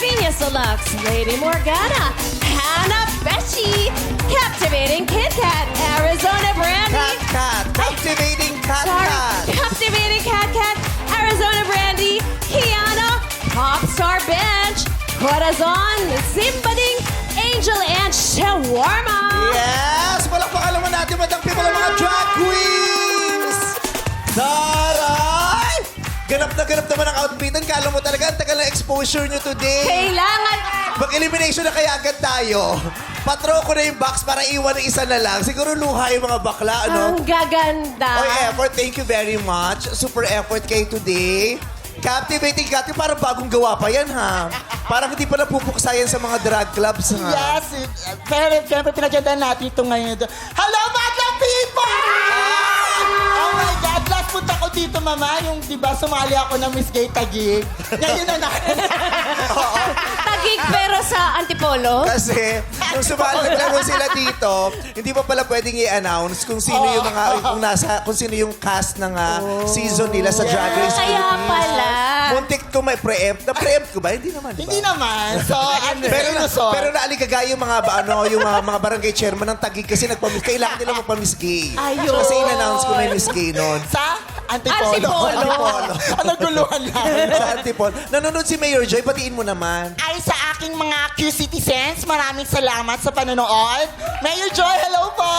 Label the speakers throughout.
Speaker 1: Genius Deluxe, Lady Morgana, Hannah Beshi, Captivating Kit Kat, Arizona Brandy.
Speaker 2: Cat. Captivating Cat.
Speaker 1: Captivating Cat Cat, Arizona Brandy, Kiana, Popstar Bench, Corazon, Zimbading, Angel, and Shawarma.
Speaker 2: Yes! Palakpakan naman natin, Madam People, ang mga drag queens! Taray! Ganap na ganap naman ang outfitan. Kala mo talaga, ang tagal ng exposure nyo today.
Speaker 1: Kailangan...
Speaker 2: Mag-elimination na kaya agad tayo. Patro ko na yung box para iwan ng isa na lang. Siguro luha yung mga bakla, ano?
Speaker 1: Ang gaganda.
Speaker 2: Oy, effort, thank you very much. Super effort kayo today. Captivating Cat, parang bagong gawa pa yan, ha? Parang hindi pa napupuksa yan sa mga drag clubs, ha?
Speaker 3: Yes, pero siyempre pinagandaan natin ito ngayon. Hello, Madlang People! Oh my God, last punta ko dito, Mama, yung, di ba, sumali ako ng Miss Gay Taguig. Ngayon na
Speaker 1: Tagig pero sa Antipolo.
Speaker 2: Kasi, nung sumalag sila dito, hindi pa pala pwedeng i-announce kung sino yung mga, kung sino yung cast ng season nila sa Drag Race
Speaker 1: Kaya
Speaker 2: Philippines.
Speaker 1: pala.
Speaker 2: Muntik ko may preempt. Na-preempt ko ba? Hindi naman, di ba?
Speaker 3: Hindi naman. So,
Speaker 2: Pero naaligaga yung mga yung mga barangay chairman ng Taguig kasi kailangan nila magpa-Miss Gay.
Speaker 1: Ayun.
Speaker 2: Kasi in-announce ko may Miss Gay noon.
Speaker 3: sa Antipolo.
Speaker 1: Antipolo.
Speaker 3: Ano guluhan lang.
Speaker 2: Sa Antipolo. Nanonood si Mayor Joy, batiin mo naman.
Speaker 3: Ay, sa aking mga Q-citizens, maraming salamat sa panonood. Mayor Joy, hello po!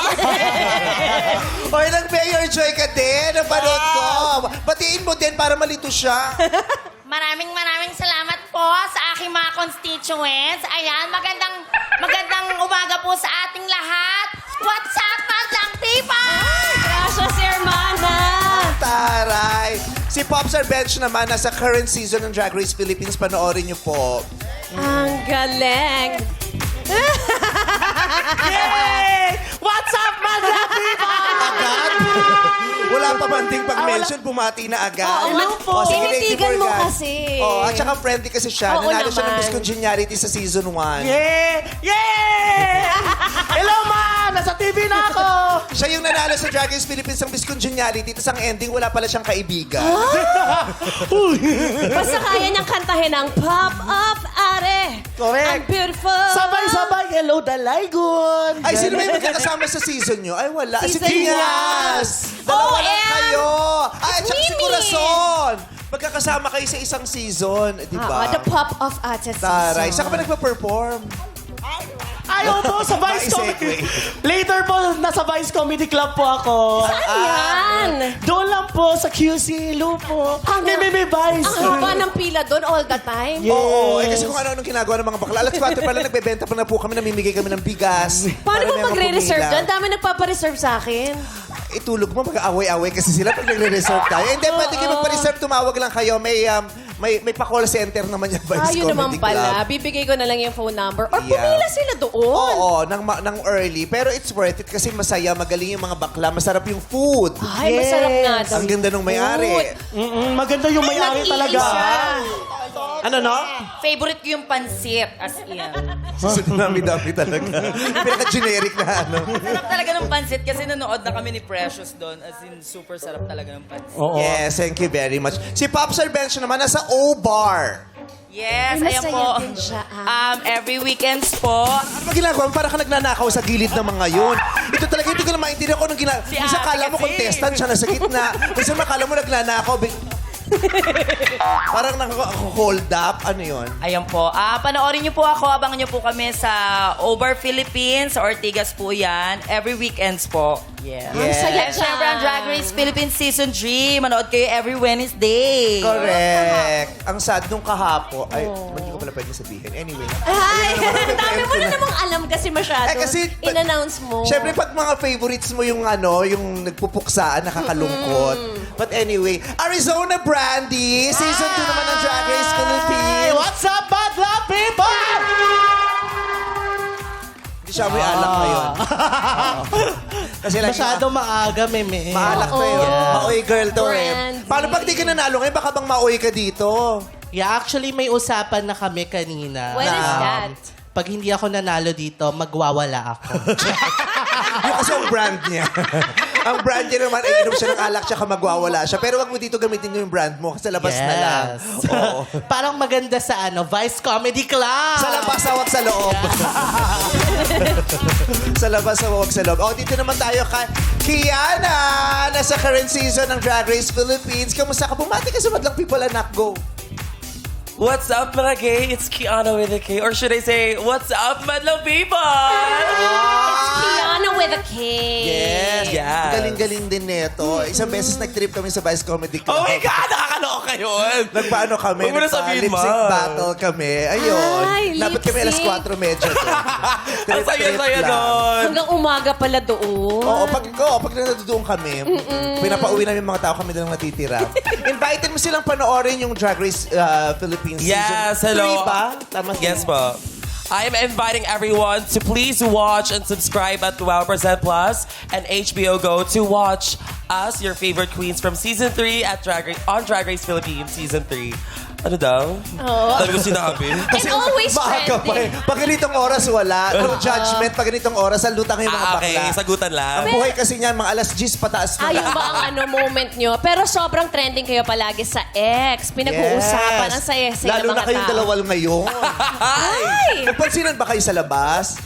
Speaker 2: Oy, nag-Mayor Joy ka din. Napanood ko. Batiin mo din para malito siya.
Speaker 4: Maraming salamat po sa aking mga constituents. Ayan, magandang umaga po sa ating lahat. What's up, Madlang People?
Speaker 1: Gracias, hermana.
Speaker 2: Taray. Si Popstar Bench naman, nasa current season ng Drag Race Philippines. Panoorin niyo po.
Speaker 1: Ang galing.
Speaker 3: Yay! What's up, Madlang People?
Speaker 2: Agad? Wala pa banding pag-mention, bumati na agad.
Speaker 1: Oo,
Speaker 2: O, sige, Lady
Speaker 1: tinitigan mo
Speaker 2: Morgan.
Speaker 1: kasi.
Speaker 2: Oh, at saka friendly kasi siya.
Speaker 1: Oo
Speaker 2: Nanalo siya ng
Speaker 1: naman.
Speaker 2: Miss Congeniality sa season 1.
Speaker 3: Yeah! Yeah! Hello, Ma! Nasa TV na ako!
Speaker 2: Siya yung nanalo sa Drag Race Philippines ng Miss Congeniality. Tapos ang ending, wala pala siyang kaibigan.
Speaker 1: Basta kaya niyang kantahin ang Pop Up Are.
Speaker 3: Correct.
Speaker 1: Ang beautiful.
Speaker 3: Sabay-sabay, hello, Dalaygon!
Speaker 2: Ay, sino ba yung magkakasama sa season nyo? Ay, wala. Si
Speaker 1: Season
Speaker 2: Kinyas! Dalawa lang
Speaker 1: OM!
Speaker 2: kayo! Ay, at saka si
Speaker 1: Mimi!
Speaker 2: Corazon! Magkakasama kayo sa isang season. Di ba?
Speaker 1: The Pop of Artists.
Speaker 2: Taray. Saan ka ba nagpa-perform?
Speaker 3: Ayaw po, sa Vice Comedy. Later po, nasa Vice Comedy Club po ako.
Speaker 1: Ayan.
Speaker 3: Doon lang po, sa QC, Lupo. May Vice.
Speaker 1: Ang haba ng pila doon all the time.
Speaker 2: Oo. Eh, kasi kung ano-anong ginagawa ng mga bakla. Alas 4 pala, nagbebenta pa na po kami, namimigay kami ng bigas.
Speaker 1: Paano
Speaker 2: Para
Speaker 1: ba
Speaker 2: may mga
Speaker 1: magre-reserve
Speaker 2: pumila.
Speaker 1: dyan? Dami nagpapa-reserve sa akin.
Speaker 2: Itulog mo, mag-aaway-aaway kasi sila pag nagre-reserve tayo. Hindi, pwede kayo magpa-reserve, tumawag lang kayo. May pa-call center naman yung Vice
Speaker 1: Ayun naman
Speaker 2: Comedy
Speaker 1: pala.
Speaker 2: Club.
Speaker 1: Bibigay ko na lang yung phone number. Or
Speaker 2: Yeah.
Speaker 1: pumila sila doon.
Speaker 2: Oo, ng early. Pero it's worth it kasi masaya, magaling yung mga bakla, masarap yung food.
Speaker 1: Ay, masarap nga daw.
Speaker 2: Ang ganda nung may-ari.
Speaker 3: Maganda yung may-ari talaga. Ano, no?
Speaker 4: Favorite ko yung pansit, as in.
Speaker 2: Dami-dami talaga. Pinaka-generic na ano.
Speaker 5: Sarap talaga ng pansit kasi nanood na kami ni Precious doon. As in, super sarap talaga ng pansit.
Speaker 3: Oo.
Speaker 2: Yes, thank you very much. Si Popstar Bench naman nasa O-Bar.
Speaker 5: Yes,
Speaker 1: Ay,
Speaker 5: ayan
Speaker 1: masaya
Speaker 5: po.
Speaker 1: din siya,
Speaker 5: Every weekends po.
Speaker 2: Ano ba ginagawa mo? Para ka nagnanakaw sa gilid ng mga yun. Ito talaga, hindi ko na maintindihan kung anong ginagawa.
Speaker 5: Si
Speaker 2: Minsan
Speaker 5: ate
Speaker 2: kala mo
Speaker 5: kasi.
Speaker 2: contestant siya nasa gitna. Minsan makala mo nagnanakaw. Parang naka-hold up. Ano yun?
Speaker 5: Ayan po. Panoorin niyo po ako. Abangan niyo po kami sa Obar Philippines. Sa Ortigas po yan. Every weekends po. Yeah.
Speaker 1: Ang saya
Speaker 5: And syempre ang Drag Race Philippines Season 3. Manood kayo every Wednesday.
Speaker 2: Correct. Ang sad nung kahapo. Ay, hindi ko pala pwede sabihin. Anyway.
Speaker 1: Ay,
Speaker 2: Ayun,
Speaker 1: dami mo na namang alam kasi masyado.
Speaker 2: Eh, kasi-
Speaker 1: in-announce mo.
Speaker 2: Siyempre, pag mga favorites mo yung yung nagpupuksaan, nakakalungkot. But anyway, Arizona Brandy, Season 2 naman ng Drag Race
Speaker 3: Hey,
Speaker 2: Philippines.
Speaker 3: what's up, Madlang People?
Speaker 2: Hindi siya may alak ngayon. Kasi lagi
Speaker 3: Masyado maaga, meme.
Speaker 2: maalak to yun. Maoy girl to eh.
Speaker 1: Brandy.
Speaker 2: Paano pag di ka nanalo ngayon, baka bang maoy ka dito?
Speaker 6: Yeah, actually may usapan na kami kanina.
Speaker 1: When is that?
Speaker 6: Pag hindi ako nanalo dito, magwawala ako.
Speaker 2: Yung kasi ang brand niya. Ang brand niya naman ay inom siya ng alak tsaka magwawala siya. Pero wag mo dito gamitin yung brand mo. Sa labas na lang. Oo.
Speaker 6: Parang maganda sa Vice Comedy Club.
Speaker 2: Sa labas, wag sa loob. Sa labas, wag sa loob. Dito naman tayo kay Kiana. Nasa current season ng Drag Race Philippines. Kamusta ka? Bumati ka sa Madlang People, anak. Go.
Speaker 7: What's up, mga gay? It's Kiana with a K. Or should I say, what's up, madlang people?
Speaker 1: Kiana with a K.
Speaker 2: Yes.
Speaker 7: Yes.
Speaker 2: Galing-galing din nito. Isang beses nag-trip kami sa Vice Comedy Club.
Speaker 7: Oh my God! Nakakaloka yun!
Speaker 2: Nagpaano kami?
Speaker 7: Huwag mo na sabihin,
Speaker 2: Nagpa-lip-sync
Speaker 7: Ma.
Speaker 2: battle kami. Ayun.
Speaker 1: Ay,
Speaker 2: Dapat kami alas
Speaker 1: lip-sync.
Speaker 2: 4:30 doon.
Speaker 7: Ang saya-saya
Speaker 2: lang.
Speaker 7: nun!
Speaker 1: Hanggang umaga pala doon.
Speaker 2: Oo, pag nandoon kami, pinapauwi namin yung mga tao, kami na lang natitira. Invited mo silang panoorin yung Drag Race Philippines
Speaker 7: Yes,
Speaker 2: season.
Speaker 7: hello.
Speaker 2: 3 ba? Tama
Speaker 7: Yes po. I'm inviting everyone to please watch and subscribe at Wow Percent Plus and HBO Go to watch us, your favorite queens from Season 3 at on Drag Race Philippines Season 3. Ano daw?
Speaker 1: Oo.
Speaker 7: Dami ko sinabi.
Speaker 1: And always
Speaker 2: maaga pa eh.
Speaker 1: trending.
Speaker 2: Pag ganitong oras, wala. No judgment. Pag ganitong oras, lutang yung mga
Speaker 7: Okay,
Speaker 2: bakla.
Speaker 7: sagutan lang.
Speaker 2: Ang buhay kasi niyan, mga alas 10 pataas na
Speaker 1: Ayun
Speaker 2: lang.
Speaker 1: ba ang moment nyo? Pero sobrang trending kayo palagi sa X. Pinag-uusapan. Ang saya-saya
Speaker 2: Lalo
Speaker 1: ng
Speaker 2: na
Speaker 1: mga
Speaker 2: kayong
Speaker 1: tao.
Speaker 2: dalawal ngayon.
Speaker 1: Ay!
Speaker 2: Nagpansinan ba kayo sa labas?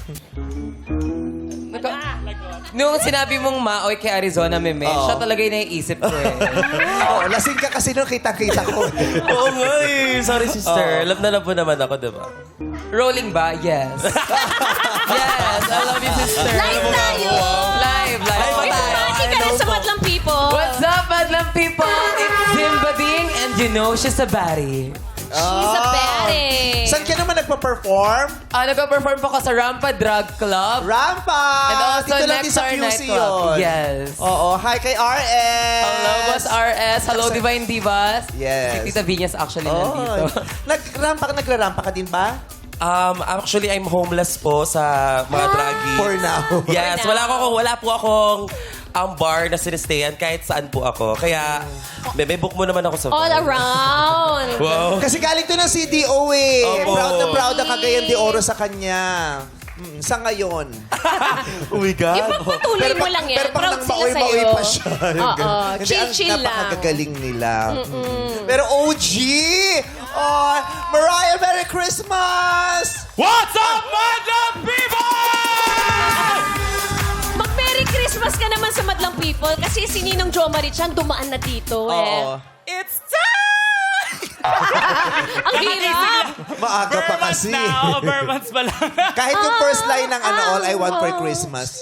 Speaker 5: Nung sinabi mong maoy kay Arizona Meme, siya talaga yung naiisip ko eh.
Speaker 2: Oo, lasing ka kasi nung kita-kita ko.
Speaker 7: Oo nga eh. Sorry, sister. Love na love mo naman ako, diba?
Speaker 5: Rolling ba? Yes. Yes, I love you, sister.
Speaker 1: Live tayo!
Speaker 5: Live
Speaker 1: May
Speaker 5: tayo.
Speaker 1: pumati ka rin sa Madlang People.
Speaker 5: What's up, Madlang people? It's Zimba Ding, and you know she's a baddie.
Speaker 1: She's a baddie.
Speaker 2: Saan ka naman nagpa-perform?
Speaker 5: Nagpa-perform po ko sa Rampa Drug Club.
Speaker 2: Rampa!
Speaker 5: And also
Speaker 2: Dito lang din sa
Speaker 5: Nectar
Speaker 2: QC
Speaker 5: Nightclub.
Speaker 2: yun.
Speaker 5: Yes.
Speaker 2: Oo, hi kay RS.
Speaker 5: Hello, Boss RS. Hello, Divine Divas.
Speaker 2: Yes.
Speaker 5: Si Tita Vinyas actually
Speaker 2: Oh,
Speaker 5: nandito.
Speaker 2: nagrarampa ka din ba?
Speaker 7: Actually, I'm homeless po sa mga draggies.
Speaker 2: For now.
Speaker 7: Yes,
Speaker 1: For now.
Speaker 7: wala po akong bar na sinistayan kahit saan po ako. Kaya, bebe, book mo naman ako sa
Speaker 1: All
Speaker 7: bar.
Speaker 1: around.
Speaker 7: Wow.
Speaker 2: Kasi galing to ng CDO eh.
Speaker 7: Opo.
Speaker 2: Proud na proud ang Cagayan de Oro sa kanya. Sa ngayon.
Speaker 7: Oh my God.
Speaker 1: Ipagpatuloy mo lang yan.
Speaker 2: Pero pag
Speaker 1: Proud
Speaker 2: nang
Speaker 1: sila
Speaker 2: maoy-maoy
Speaker 1: sa'yo.
Speaker 2: pa siya. Yung
Speaker 1: Oo.
Speaker 2: ganun. Hindi,
Speaker 1: Chill-chill lang.
Speaker 2: napakagagaling nila. Pero OG! Oh, Mariah, Merry Christmas!
Speaker 8: What's up, Madlang People?
Speaker 1: Mag-Merry Christmas ka naman sa Madlang People kasi si Ninong Jo Marichan dumaan na dito
Speaker 2: Oo.
Speaker 7: It's time!
Speaker 1: Ang hirap.
Speaker 2: Maaga pa kasi.
Speaker 8: Bare months pa lang.
Speaker 2: Kahit yung first line ng All I Want for Christmas.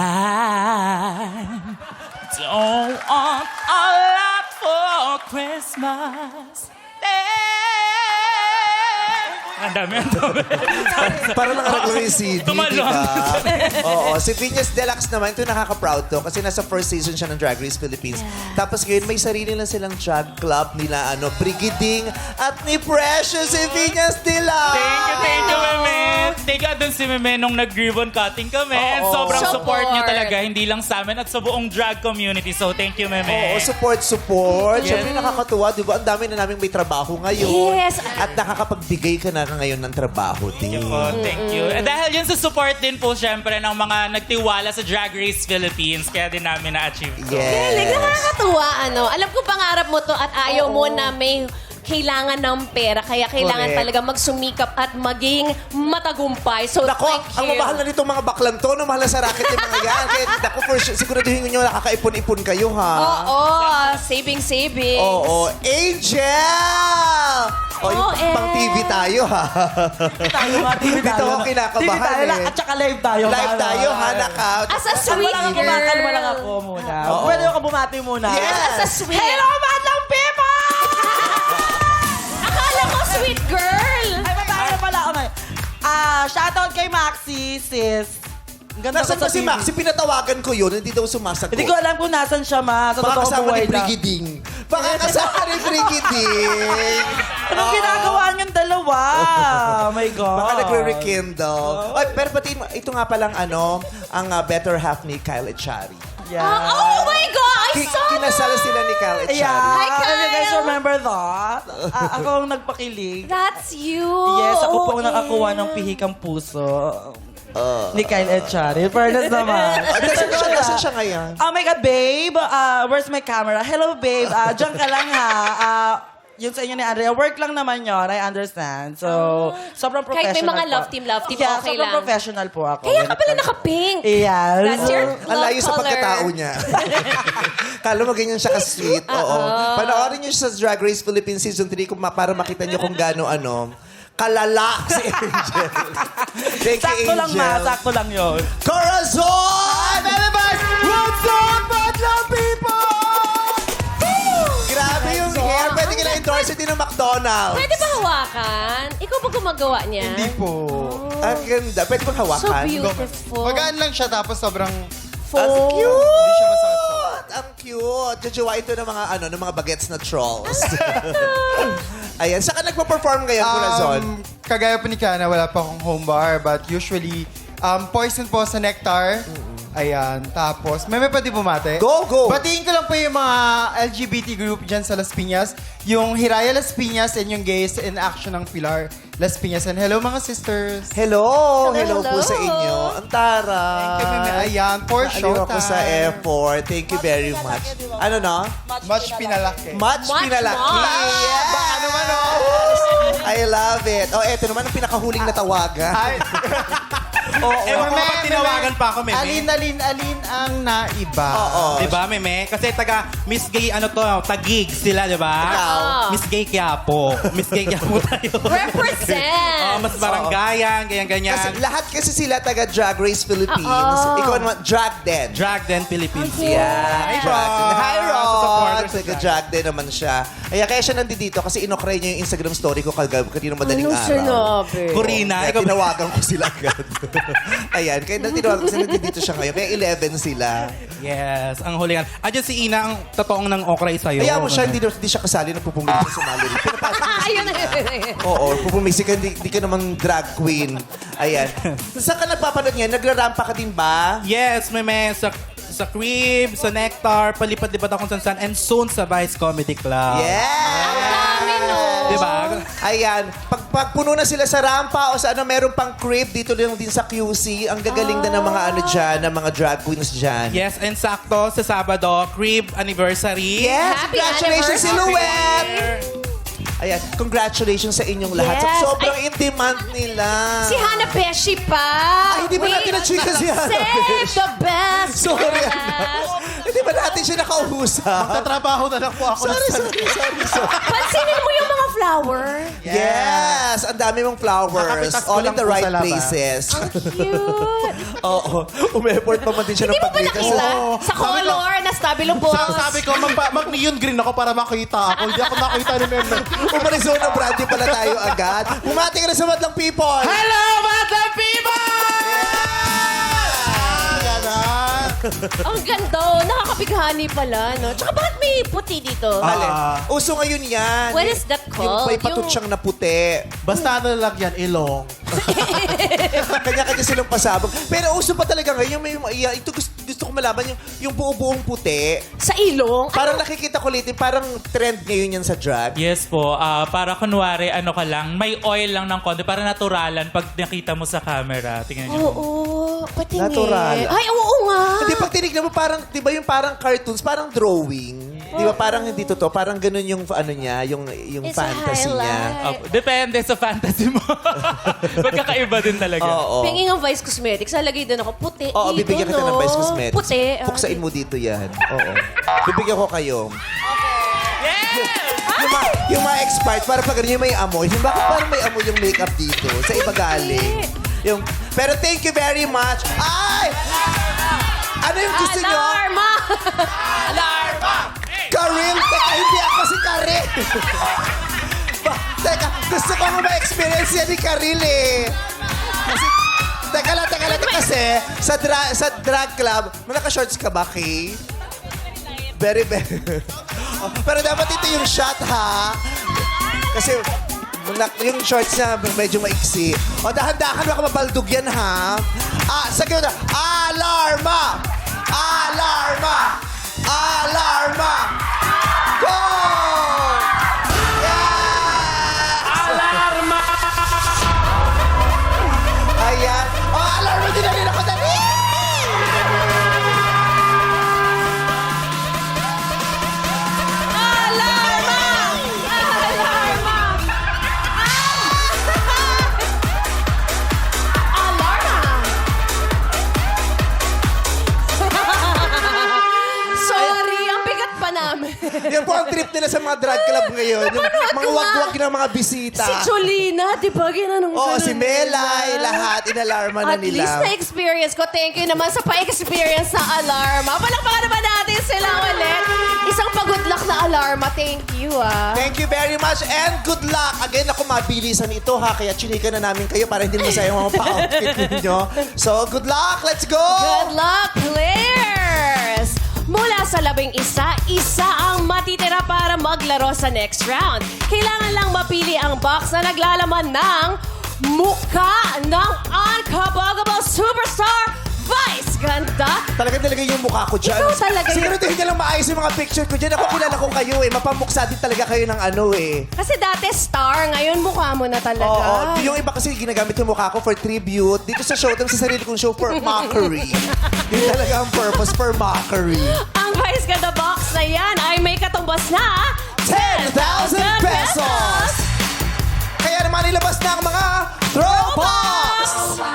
Speaker 8: Don't want a lot for Christmas. Ang dami.
Speaker 2: Para lang naglaro yung CD, di
Speaker 8: Tumalon.
Speaker 2: ba? Oo. Si Vinyas Deluxe naman, ito nakaka-proud to kasi nasa first season siya ng Drag Race Philippines. Tapos ngayon, may sarili lang silang drag club nila, Brigiding at ni Precious si Vinyas Deluxe.
Speaker 8: Thank you, Meme. Thank you dun si Meme nung nag-ribbon cutting kami. And
Speaker 2: Oo.
Speaker 8: sobrang support niyo
Speaker 1: Support.
Speaker 8: talaga, hindi lang sa amin at sa buong drag community. So, thank you, Meme.
Speaker 2: Oo, support. Siyempre nakakatuwa, di ba? Ang dami na namin may trabaho ngayon.
Speaker 1: Yes.
Speaker 2: At nakakapagbigay ka na ngayon ng trabaho din.
Speaker 8: Oh, thank you. And dahil yun sa support din po, syempre, ng mga nagtiwala sa Drag Race Philippines, kaya din namin na-achieve to.
Speaker 1: Galing,
Speaker 2: Yes.
Speaker 1: nakakatuwa, ano. Alam ko pangarap mo to at ayaw mo na may kailangan ng pera. Kaya kailangan
Speaker 2: Correct.
Speaker 1: talaga magsumikap at maging matagumpay. So,
Speaker 2: Nako,
Speaker 1: thank you.
Speaker 2: ang mamahal na nitong mga baklan to, no? Mahal na sa racket yung mga yan. Kaya, nako, for sure, siguraduhin nyo nakakaipon-ipon kayo, ha?
Speaker 1: Oo, saving.
Speaker 2: Oo. Angel! O, yung pang TV tayo, ha?
Speaker 3: Tayo nga, TV tayo.
Speaker 2: Dito ako kinakabahan,
Speaker 3: TV tayo lang,
Speaker 2: eh.
Speaker 3: at saka live tayo.
Speaker 2: Live tayo, ha?
Speaker 1: As a sweet
Speaker 3: Kalma lang ako,
Speaker 1: girl.
Speaker 3: kalma lang ako muna.
Speaker 2: Oo.
Speaker 3: Pwede ako bumati muna.
Speaker 2: Yes.
Speaker 1: As a sweet.
Speaker 3: Hello, Madlang People!
Speaker 1: Akala ko sweet girl.
Speaker 3: Ay, babae na pala ako ngayon. Shoutout kay Maxi, sis. Ang ganda
Speaker 2: Nasaan
Speaker 3: ko
Speaker 2: ba si
Speaker 3: TV.
Speaker 2: Maxi? Pinatawagan ko yun, hindi daw sumasagot.
Speaker 3: Hindi ko alam kung nasan siya, ma. Sa
Speaker 2: Baka
Speaker 3: totoong
Speaker 2: kasama
Speaker 3: buhay
Speaker 2: ni
Speaker 3: lang.
Speaker 2: Brigiding. Baka kasama ni Brigiding.
Speaker 3: Anong ginagawa niyong dalawa? Oh my God.
Speaker 2: Baka nagre-rekindle. Ay, pero pati, ito nga palang ang better half ni Kyle Echari.
Speaker 3: Yeah.
Speaker 1: Oh my God, I saw
Speaker 2: Kinasal
Speaker 1: that.
Speaker 2: sila ni Kyle Echari.
Speaker 3: Yeah.
Speaker 1: Hi, Kyle.
Speaker 3: If you guys remember that, ako ang nagpakilig.
Speaker 1: That's you.
Speaker 3: Yes, ako po ang
Speaker 1: Okay.
Speaker 3: nakakuha ng pihikang puso.
Speaker 6: Ni Kyle Echari. Fairness naman.
Speaker 2: Nasaan siya ngayon?
Speaker 6: Oh my God, babe. Where's my camera? Hello, babe. Diyan ka lang ha. Yun sa inyo ni Andrea, work lang naman yon, I understand. So, sobrang professional
Speaker 1: Kahit may mga
Speaker 6: po.
Speaker 1: love team,
Speaker 6: Yeah,
Speaker 1: okay
Speaker 6: sobrang
Speaker 1: lang.
Speaker 6: professional po ako.
Speaker 1: Kaya ka pala naka-pink.
Speaker 6: Yes.
Speaker 1: That's your
Speaker 2: Ang
Speaker 1: love
Speaker 2: layo sa
Speaker 1: color.
Speaker 2: pagkatao niya. Kala mo ganyan siya ka-sweet. Oo. Panoorin niyo siya sa Drag Race Philippines Season 3 para makita niyo kung gaano kalala si Angel. Thank you,
Speaker 6: Sakto lang, ma.
Speaker 2: Angel.
Speaker 6: Sakto lang yun.
Speaker 2: Corazon! Everybody! What's up, Madlang people? Grabe yung hair. Pwede ka na-endorse din ng McDonald's.
Speaker 1: Pwede ba hawakan? Ikaw ba gumagawa niya?
Speaker 9: Hindi po.
Speaker 2: Ang ganda. Pwede bang hawakan?
Speaker 1: So beautiful.
Speaker 9: Magaan lang siya tapos sobrang...
Speaker 2: Ang cute!
Speaker 9: Hindi siya masakit sa...
Speaker 2: Ang cute. Jajawa ito ng mga ng mga bagets na trolls. Ayan, saan ka nagpa-perform ngayon, Corazon?
Speaker 9: Kagaya po ni Kana, wala pa akong home bar. But usually, Poison po sa Nectar. Ayan. Tapos, may pwede bumate?
Speaker 2: Go!
Speaker 9: Batiin ko lang po yung mga LGBT group dyan sa Las Piñas. Yung Hiraya Las Piñas and yung Gays in Action ng Pilar Las Piñas. And hello mga sisters.
Speaker 2: Hello
Speaker 1: Hello.
Speaker 2: po sa inyo. Ang taray.
Speaker 9: Thank you, Mimi. Ayan, for
Speaker 2: Naaliw ako sa
Speaker 9: showtime.
Speaker 2: effort. Thank you very much. Ano no?
Speaker 9: Much pinalaki.
Speaker 2: Much pinalaki.
Speaker 1: much.
Speaker 2: Yeah. Baka naman, oh. I love it. Oh, eto naman ang pinakahuling na tawagan.
Speaker 9: Ay,
Speaker 10: Ewan ko ba tinawagan pa ako, Meme?
Speaker 9: Alin ang naiba.
Speaker 2: Oo.
Speaker 10: Diba, Meme? Kasi taga Miss Gay, Tagig sila, diba?
Speaker 2: Ikaw.
Speaker 10: Miss Gay Quiapo. Miss Gay Quiapo tayo.
Speaker 1: Represent!
Speaker 10: Mas barangayan, ganyan-ganyan.
Speaker 2: Kasi lahat kasi sila taga Drag Race Philippines.
Speaker 1: Oo.
Speaker 2: Ikaw naman, Drag Den.
Speaker 10: Drag Den Philippines.
Speaker 2: Yeah.
Speaker 10: Hi,
Speaker 2: Drag Den. Hi, Rod.
Speaker 10: Supporters sa
Speaker 2: Taga Drag Den naman siya. Kaya siya nandito kasi inokray niya yung Instagram story ko kanina madaling
Speaker 1: Anong
Speaker 2: araw.
Speaker 1: sinabi?
Speaker 10: Corina,
Speaker 2: Kaya
Speaker 10: ikaw ba?
Speaker 2: tinawagan ko sila agad. Ayan, kaya tinawagan ko sila nandito siya ngayon. Kaya 11 sila.
Speaker 10: Yes, ang hulingan. Diyan si Ina, ang totoong ng okray sa'yo.
Speaker 2: Kaya mo siya, hindi siya kasali, nagpupumili siya sa Mallory. Pinapasok mo
Speaker 1: Ayun na.
Speaker 2: Oo, pupumisi ka, hindi ka naman drag queen. Ayan. Saan ka nagpapanood ngayon? Nagrarampa ka din ba?
Speaker 10: Yes, Meme. Sa Crib, sa Nectar, palipad-lipad ako kung saan and soon sa Vice Comedy Club.
Speaker 1: Dami, no?
Speaker 10: Diba?
Speaker 2: Ayan. Pag puno na sila sa rampa o sa meron pang crib, dito lang din sa QC. Ang gagaling na ng mga dyan, ng mga drag queens dyan.
Speaker 10: Yes, and sakto sa Sabado, Crib Anniversary.
Speaker 2: Yes!
Speaker 1: Happy
Speaker 2: Congratulations,
Speaker 1: anniversary!
Speaker 2: Silhouette! Ayan, congratulations sa inyong lahat.
Speaker 1: Yes.
Speaker 2: Sobrang in-demand nila.
Speaker 1: Si Hannah Beshi pa.
Speaker 2: Ay, hindi ba natin na-chika si Hannah
Speaker 1: Save
Speaker 2: Beshi?
Speaker 1: the best.
Speaker 2: Sorry,
Speaker 1: for
Speaker 2: anak.
Speaker 1: last.
Speaker 2: Hindi ba natin siya nakausap?
Speaker 9: Tatrabaho na lang po ako.
Speaker 2: Sorry.
Speaker 1: Pansinin mo yung mga flower.
Speaker 2: Yes! Ang dami mong flowers.
Speaker 9: Nakapitas ko
Speaker 2: All in
Speaker 9: lang
Speaker 2: the
Speaker 9: po
Speaker 2: right
Speaker 9: sa laba.
Speaker 2: places.
Speaker 1: Cute.
Speaker 2: Oo. Umeport pa man din siya
Speaker 1: Hindi
Speaker 2: ng
Speaker 1: mo ba
Speaker 2: pag-rita.
Speaker 1: nakita? Sa color, na stabilo boss.
Speaker 9: Sabi ko, mag-neon green ako para makita ako. Hindi ako nakita ni Meme.
Speaker 2: Umarizona Brandy pala tayo agad. Bumati ka na sa Madlang People!
Speaker 10: Hello, Madlang People!
Speaker 1: Ang ganda. Oh. Nakakabighani pala, no? Tsaka bakit may puti dito?
Speaker 2: Uso ngayon yan.
Speaker 1: What is that
Speaker 2: Yung
Speaker 1: called?
Speaker 2: may patut siyang na puti.
Speaker 6: Basta ano lang yan, ilong.
Speaker 2: Kanya-kanya silang pasabog. Pero uso pa talaga ngayon. Ito gusto ko malaman yung buo-buong puti.
Speaker 1: Sa ilong?
Speaker 2: Parang nakikita ko ulit, parang trend ngayon yan sa drag.
Speaker 8: Yes po. Para kunwari, ka lang, may oil lang ng konti. Para naturalan pag nakita mo sa camera. Tingnan niyo.
Speaker 1: Oo. Patingin.
Speaker 2: Natural.
Speaker 1: Ay, oo nga.
Speaker 2: Hindi, pag tinignan mo, parang, di ba yung parang cartoons, parang drawing. Di ba parang hindi totoo, parang ganun yung niya, yung
Speaker 1: It's a
Speaker 2: fantasy niya.
Speaker 1: highlight.
Speaker 8: Depende sa fantasy mo. Magkakaiba din talaga.
Speaker 2: Oo.
Speaker 1: Pingin ang Vice Cosmetics, lalagay din ako puti.
Speaker 2: Oo,
Speaker 1: dito,
Speaker 2: bibigyan kita ng
Speaker 1: no?
Speaker 2: Vice Cosmetics.
Speaker 1: Puti.
Speaker 2: Puksain mo dito yan. Oo. Bibigyan ko kayo. Yung mga expired, para pag ganyan may amoy. Bakit parang may amoy yung makeup dito? Sa iba galing. Pero thank you very much. Ay! Ano yung gusto nyo?
Speaker 1: Alarma!
Speaker 2: Karil! Teka, hindi ako si Karil. Teka, gusto ko nga ma-experience yan ni Karil eh. Kasi, teka lang. Kasi, sa drag club, naka-shorts ka ba, Kay? Very. Oh, pero dapat ito yung shot, ha? Kasi, yung shorts niya medyo maiksi. O, dahan-dahan, baka mabaldog yan, ha? Sige na. Alarma! Go! Yes! Alarma! Ayan. Alarma!
Speaker 1: namin.
Speaker 2: Yan po ang trip nila sa mga drag club ngayon. Yung mga wag-wag ng mga bisita.
Speaker 1: Si Cholina, di ba? Ginanong
Speaker 2: Oo,
Speaker 1: ganun
Speaker 2: si Melay,
Speaker 1: nila.
Speaker 2: lahat, inalarma na
Speaker 1: At
Speaker 2: nila.
Speaker 1: least na-experience ko. Thank you naman sa pa-experience na alarma. Palakpakan naman natin sila ulit. Isang pa-good luck na alarma. Thank you, ah.
Speaker 2: Thank you very much and good luck. Again, ako mabilisan ito ha, kaya chinika na namin kayo para hindi masayang mga pa-outfit ninyo. So, good luck. Let's go!
Speaker 1: Good luck, players! Mula sa 11, isa ang matitira para maglaro sa next round. Kailangan lang mapili ang box na naglalaman ng mukha ng unkabaggable superstar Vice Ganda.
Speaker 2: Talaga yung mukha ko dyan.
Speaker 1: Ikaw talaga
Speaker 2: Siguro hindi lang maayos yung mga picture ko dyan. Ako kilala ko kayo eh. Mapamuksa din talaga kayo ng ano eh.
Speaker 1: Kasi dati star, ngayon mukha mo na talaga.
Speaker 2: Oo. Yung iba kasi ginagamit yung mukha ko for tribute. Dito sa Showtime, sa sarili kong show, for mockery. Yun talaga ang purpose, for mockery.
Speaker 1: Ang Vice Ganda box na yan ay may katumbas na
Speaker 2: 10,000 pesos! Kaya naman ilabas na ang mga throwbox!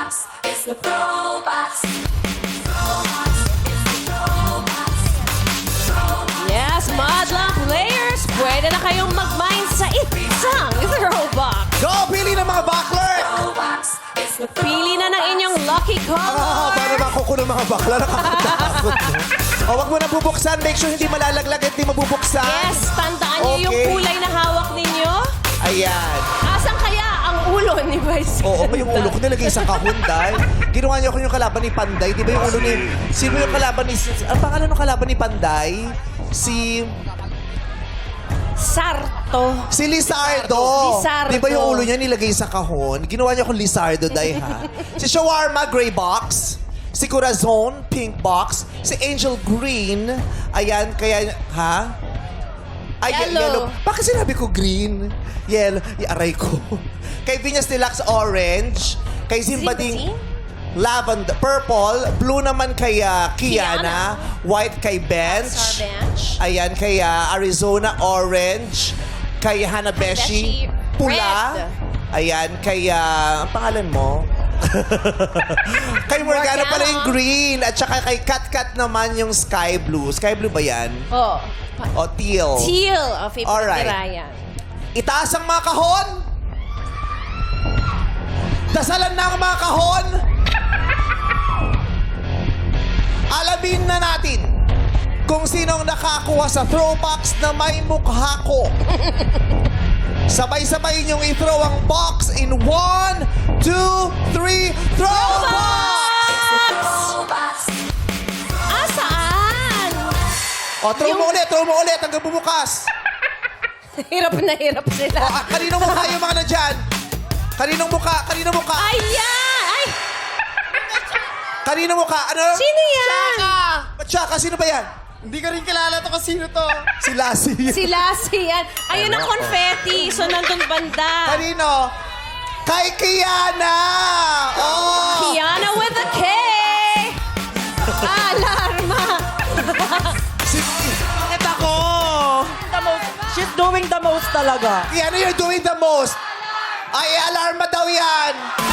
Speaker 1: Yes, Madlang players, pwede na kayong mag-mine sa isang throwbox.
Speaker 2: Go! Pili ng mga buckler!
Speaker 1: Pili na ng inyong lucky color.
Speaker 2: Para makuko ng mga bakla, nakakatakot mo. O, wag mo na bubuksan. Make sure hindi malalaglag at hindi mabubuksan.
Speaker 1: Yes, tandaan niyo yung
Speaker 2: Okay.
Speaker 1: kulay na hawak ninyo.
Speaker 2: Ayan.
Speaker 1: Asan kaya ang ulo ni Vice?
Speaker 2: Oo, yung ulo ko nilagay sa kahunday. Ginawa niyo ako yung kalaban ni Panday. Di ba yung ulo ni... Sino yung kalaban ni... Ang pangalan ng kalaban ni Panday? Si Lizardo.
Speaker 1: Lizardo.
Speaker 2: Di ba yung ulo niya nilagay sa kahon? Ginawa niyo akong Lizardo, day ha? Si Shawarma, gray box. Si Corazon, pink box. Si Angel, green. Ayan, kaya... Ha? Ay,
Speaker 1: Yellow.
Speaker 2: Bakit sinabi ko green? Yellow. Aray ko. Kay Vinyas Deluxe, orange. Kay Zimbading, lavender, purple. Blue naman kay Kiana. White kay Bench.
Speaker 1: Star Bench.
Speaker 2: Ayan, kay Arizona, orange. Kay Hanabeshi,
Speaker 1: Beshi,
Speaker 2: pula.
Speaker 1: red.
Speaker 2: Ayan, kay... ang pangalan mo? Kay Morgana pala yung green. At saka kay Kat naman yung sky blue. Sky blue ba yan?
Speaker 1: Oh.
Speaker 2: O teal.
Speaker 1: Teal. Oh, favorite
Speaker 2: Alright.
Speaker 1: ni Ryan.
Speaker 2: Itaas ang mga kahon. Dasalan na ang mga kahon. Alamin na natin kung sinong nakakuha sa throwbox na may mukha ko. Sabay-sabay niyong i-throw ang box in 1, 2, 3, throwbox!
Speaker 1: Saan?
Speaker 2: O, throw mo ulit hanggang bumukas.
Speaker 1: Hirap na hirap sila.
Speaker 2: O, kaninong mukha yung mga nandyan? Kaninong mukha?
Speaker 1: Ayan! Ay!
Speaker 2: Kaninong mukha? Ano?
Speaker 1: Sino yan?
Speaker 2: Tsaka, sino ba yan?
Speaker 9: Hindi ko rin kilala to kung sino to.
Speaker 2: Si Lassie.
Speaker 1: Si Lassie yan. Ayun ang confetti. So, nandun banda.
Speaker 2: Kanino? Kay Kiana! Oh!
Speaker 1: Kiana with a K! Alarma!
Speaker 2: Bakit ako?
Speaker 6: She's doing the most talaga.
Speaker 2: Kiana, you're doing the most. Ay, alarma daw yan.